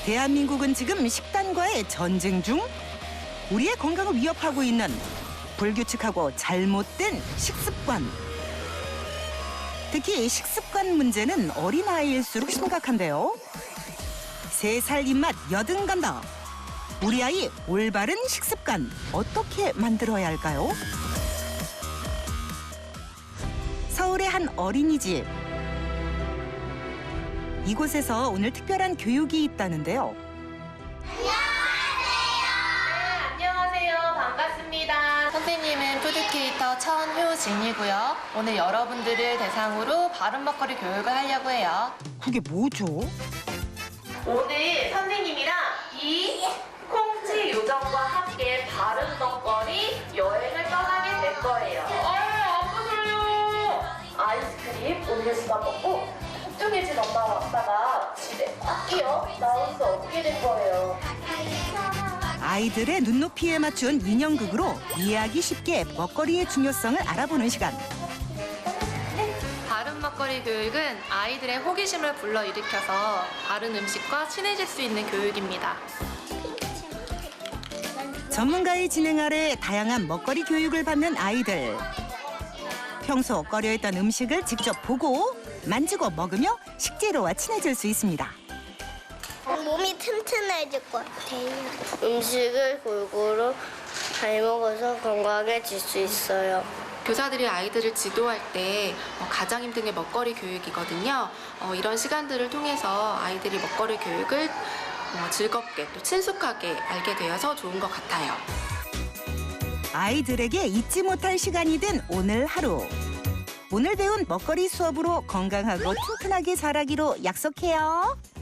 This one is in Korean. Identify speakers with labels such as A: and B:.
A: 대한민국은 지금 식단과의 전쟁 중. 우리의 건강을 위협하고 있는 불규칙하고 잘못된 식습관. 특히 식습관 문제는 어린아이일수록 심각한데요. 3살 입맛 여든간다. 우리 아이 올바른 식습관 어떻게 만들어야 할까요? 서울의 한 어린이집. 이곳에서 오늘 특별한 교육이 있다는데요.
B: 안녕하세요. 반갑습니다. 선생님은 푸드크리에이터 천효진이고요. 오늘 여러분들을 대상으로 바른 먹거리 교육을 하려고 해요.
A: 그게 뭐죠?
B: 오늘 선생님이랑 이 콩지 요정과 함께 바른 먹거리 여행을 떠나게 될 거예요. 아프세요. 아이스크림 음료수만 먹고 걱정해진 엄마와 아빠가 집에 학기요 나올 수 없게 될 거예요.
A: 아이들의 눈높이에 맞춘 인형극으로 이해하기 쉽게 먹거리의 중요성을 알아보는 시간.
B: 바른 먹거리 교육은 아이들의 호기심을 불러일으켜서 바른 음식과 친해질 수 있는 교육입니다.
A: 전문가의 진행 아래 다양한 먹거리 교육을 받는 아이들. 평소 꺼려했던 음식을 직접 보고 만지고 먹으며 식재료와 친해질 수 있습니다.
C: 몸이 튼튼해질 것 같아요. 음식을 골고루 잘 먹어서 건강해질 수 있어요.
B: 교사들이 아이들을 지도할 때 가장 힘든 게 먹거리 교육이거든요. 이런 시간들을 통해서 아이들이 먹거리 교육을 즐겁게 또 친숙하게 알게 되어서 좋은 것 같아요.
A: 아이들에게 잊지 못할 시간이 된 오늘 하루. 오늘 배운 먹거리 수업으로 건강하고 튼튼하게 자라기로 약속해요.